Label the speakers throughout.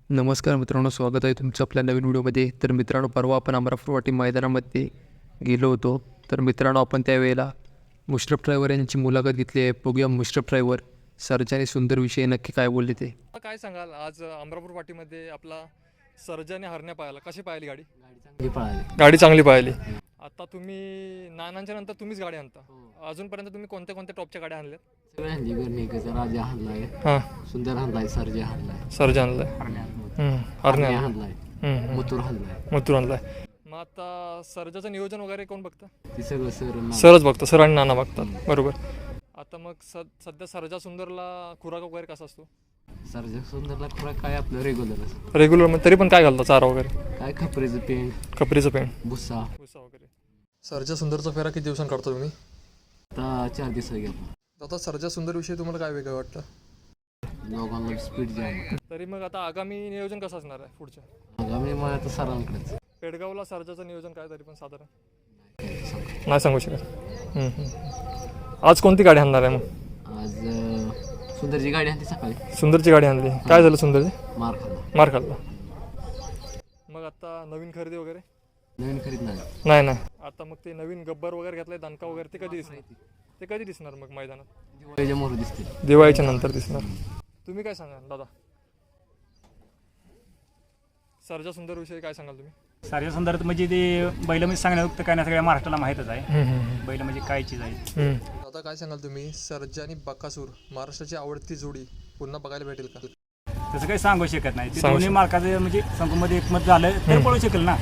Speaker 1: नमस्कार मित्रांनो, स्वागत आहे तुमचं आपल्या नवीन व्हिडिओमध्ये. तर मित्रांनो, परवा आपण अमरापूर मैदानामध्ये गेलो होतो. तर मित्रांनो, आपण त्यावेळेला मुश्रफ ड्रायव्हर यांची मुलाखत घेतली आहे. बघूया मुश्रफ ड्रायव्हर सर्जा आणि सुंदर विषयी नक्की काय बोलले ते.
Speaker 2: काय सांगाल, आज अमरापूर पाटीमध्ये आपला सर्जाने हरण्या पाहायला कशी पाहिली गाडी?
Speaker 3: गाडी चांगली
Speaker 2: पाहिली. आता तुम्ही नानांच्या नंतर तुम्हीच गाडी आणता. अजूनपर्यंत तुम्ही कोणत्या कोणत्या टॉपच्या गाड्या आणल्यात?
Speaker 3: सगळे हल्ली गर्णिकेचा राजा हल्लाय,
Speaker 2: हां,
Speaker 3: सुंदर हल्लाय, सर्जा हल्लाय,
Speaker 2: सर्जा आणलाय,
Speaker 3: हरण्या हल्लाय, मुतूर हल्लाय.
Speaker 2: मथुर आणलाय. मग आता सर्जाचं नियोजन वगैरे कोण बघतं?
Speaker 3: ती सगळं
Speaker 2: सरच बघतं, सर आणि नाना बघतात. बरोबर. आता मग सध्या सर्जा सुंदरला खुराक वगैरे कसा असतो?
Speaker 3: सर्जा सुंदरला खुराक काय आपलं रेग्युलर
Speaker 2: रेग्युलर मग तरी पण काय घालता चारा वगैरे?
Speaker 3: काय खपरीचं पेंट,
Speaker 2: खपरीचं पेंट,
Speaker 3: भुस्सा.
Speaker 2: भुसा वगैरे. सर्जा सुंदरचा फेरा किती दिवसांनी काढतो तुम्ही?
Speaker 3: आता 4 दिवस गेला.
Speaker 2: आता सर्जा सुंदर विषयी तुम्हाला काय वेगळं वाटतं?
Speaker 3: दोघांना स्पीड जाम.
Speaker 2: तरी मग आता आगामी नियोजन कसं असणार आहे पुढच्या?
Speaker 3: आगामी मला तर सरांकडेच
Speaker 2: पेडगावला सर्जाचं नियोजन काय तरी पण साधारण नाही सांगू शकत. आज कोणती गाडी आणणार आहे मग?
Speaker 3: आज सुंदरची गाडी आणली सकाळी.
Speaker 2: सुंदरची गाडी आणली. काय झालं सुंदरची?
Speaker 3: मार
Speaker 2: खाल्ला. मग आता नवीन खरेदी वगैरे?
Speaker 3: नवीन खरीद
Speaker 2: नाही. आता मग ते नवीन गब्बर वगैरे घेतलंय, दणका वगैरे, ते कधी दिसणार? ते कधी दिसणार मग मैदानात?
Speaker 3: दिवाळीच्या मोहर दिसते.
Speaker 2: दिवाळीच्या नंतर दिसणार. तुम्ही काय सांगाल दादा? सर्जा सुंदर विषयी काय सांगाल तुम्ही?
Speaker 4: सर्जा सुंदर म्हणजे ते बैल म्हणजे सांगण्यात काय नाही, सगळ्या महाराष्ट्राला माहीतच आहे बैल म्हणजे काय चीज आहे.
Speaker 2: आता काय सांगाल तुम्ही, सर्जा आणि बकासूर महाराष्ट्राची आवडती जोडी पुन्हा बघायला भेटेल का?
Speaker 4: तसं काही सांगू शकत नाही. ते दोन्ही मार्काचं म्हणजे संघमध्ये एकमत झालं तर पळू शकेल ना.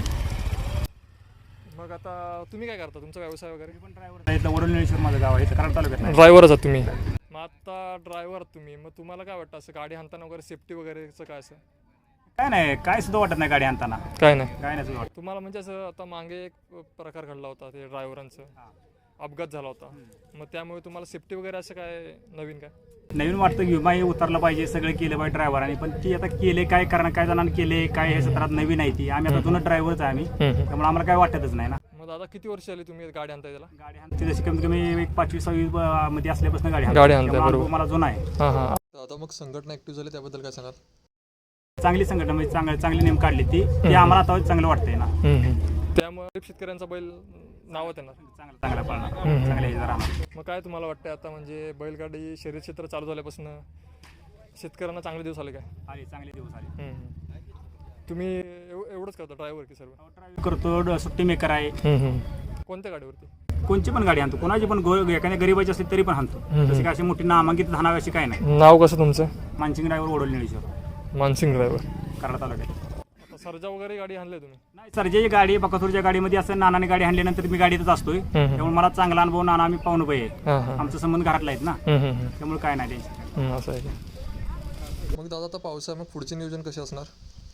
Speaker 2: मग आता तुम्ही काय करता, तुमचा व्यवसाय वगैरे?
Speaker 4: पण ड्रायव्हर वडोलीश्वर माझं गाव आहे, कराड तालुक्यात.
Speaker 2: ड्रायव्हरच आहात तुम्ही? मग आता ड्रायव्हर तुम्ही, मग तुम्हाला काय वाटतं असं गाडी हाणताना वगैरे सेफ्टी वगैरेचं काय असं?
Speaker 4: काय नाही, काय सुद्धा वाटत नाही गाडी आणताना.
Speaker 2: काय नाही
Speaker 4: सुद्धा वाटत.
Speaker 2: तुम्हाला म्हणजे असं आता मागे एक प्रकार घडला होता, ते ड्रायव्हरांचं अपघात झाला होता, मग त्यामुळे तुम्हाला सेफ्टी वगैरे असं काय नवीन काय
Speaker 4: नवीन वाटतं? विमा हे उतरलं पाहिजे, सगळं केलं पाहिजे ड्रायव्हरांनी, पण ती आता केले काय कारण काय जणांनी केले काय हे सत्रात नवीन आहे ती. आम्ही आता जुनं ड्रायव्हरच आहे आम्ही, त्यामुळे आम्हाला काय वाटतच नाही ना.
Speaker 2: मग दादा किती वर्ष आली तुम्ही गाडी आणताय त्याला?
Speaker 4: गाडी आणते जशी कमीत कमी एक 5वी-6वी मध्ये असल्यापासून गाडी
Speaker 2: आणताय. बरोबर.
Speaker 4: मला जुना आहे.
Speaker 2: आता मग संघटना ऍक्टिव्ह झाली, त्याबद्दल काय सांगाल?
Speaker 4: चांगली संघटना म्हणजे चांगली नेम काढली ती आम्हाला आता चांगलं वाटतंय ना.
Speaker 2: त्यामुळे शेतकऱ्यांचा बैल नावात येणार,
Speaker 4: चांगला पळणार, चांगल्या हे जरा.
Speaker 2: मग काय तुम्हाला वाटतंय आता, म्हणजे बैलगाडी शर्यत क्षेत्र चालू झाल्यापासून शेतकऱ्यांना चांगले दिवस आले काय?
Speaker 4: चांगले दिवस आले.
Speaker 2: तुम्ही एवढंच करता ड्रायव्हर की सर्व?
Speaker 4: ड्रायव्हिंग करतो, सुट्टी मेकर आहे.
Speaker 2: कोणत्या गाडीवरती?
Speaker 4: कोणची पण गाडी आणतो, कोणाची पण एखाद्या गरीबाची असली तरी पण आणतो. तशी काय अशी मोठी नामांकित धानावी अशी काय नाही.
Speaker 2: नाव कसं तुमचं?
Speaker 4: मानसिंग ड्रायव्हर, वडोली निळेश्वर,
Speaker 2: मानसिंग ड्रायव्हर,
Speaker 4: कराड तालुक्यात.
Speaker 2: आता सर्जा वगैरे गाडी आणली तुम्ही?
Speaker 4: नाही, सर्जाची गाडी बकासूरच्या गाडीमध्ये असं नानाने गाडी आणल्यानंतर मी गाडीतच असतोय, त्यामुळे मला चांगला अनुभव. नाना आम्ही पाहुणे बाई आहे, आमचा संबंध घरातला आहेत ना, त्यामुळे काय नाही टेन्शन.
Speaker 2: असं आहे. मग दादा आता पावसाळा, मग पुढचे नियोजन कसे असणार?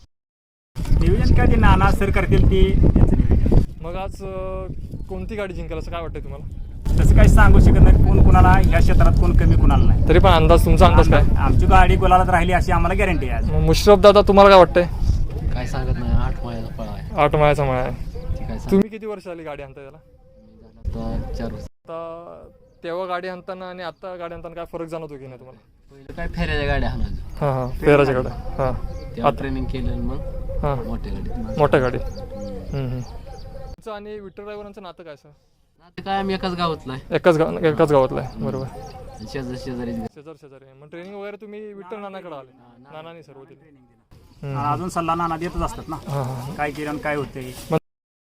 Speaker 4: नियोजन काय ते नाना सर करतील ते त्यांचं नियोजन.
Speaker 2: मग आज कोणती गाडी जिंकेल असं काय वाटतंय तुम्हाला?
Speaker 4: तसं काही सांगू शकत नाही, कोण कुणाला या क्षेत्रात कोण कमी कुणाला नाही.
Speaker 2: तरी पण अंदाज, तुमचा अंदाज काय?
Speaker 4: आमची गाडी गुलालात राहिली अशी आम्हाला गॅरंटी आहे.
Speaker 2: मुश्रफ दादा तुम्हाला काय वाटतंय?
Speaker 3: काय सांगत नाही. 8 मायाचा पळा आहे.
Speaker 2: 8 मायाचा मळा आहे. तुम्ही किती वर्ष आली गाडी आणताय त्याला?
Speaker 3: आता 4 वर्ष.
Speaker 2: आता तेव्हा गाडी आणताना आणि आता गाडी आणताना काय फरक जाणवतो की नाही तुम्हाला?
Speaker 3: पहिलं काय फेऱ्याच्या गाड्या आणायचं,
Speaker 2: फेराच्या गाड्या.
Speaker 3: तेव्हा ट्रेनिंग केलं, मग
Speaker 2: मोठ्या गाडी. तुमचं आणि विठ्ठल ड्रायव्हरांचं नातं काय सर?
Speaker 3: आता काय आम्ही एकाच गावातला आहे.
Speaker 2: एकाच गावातला आहे. बरोबर.
Speaker 3: शेजारी.
Speaker 2: मग ट्रेनिंग वगैरे तुम्ही विठ्ठल नानाकडे आले? नानानी सर्व दिले.
Speaker 4: अजून सल्ला नाना देतच असतात ना, काय केलं काय होते.
Speaker 2: मग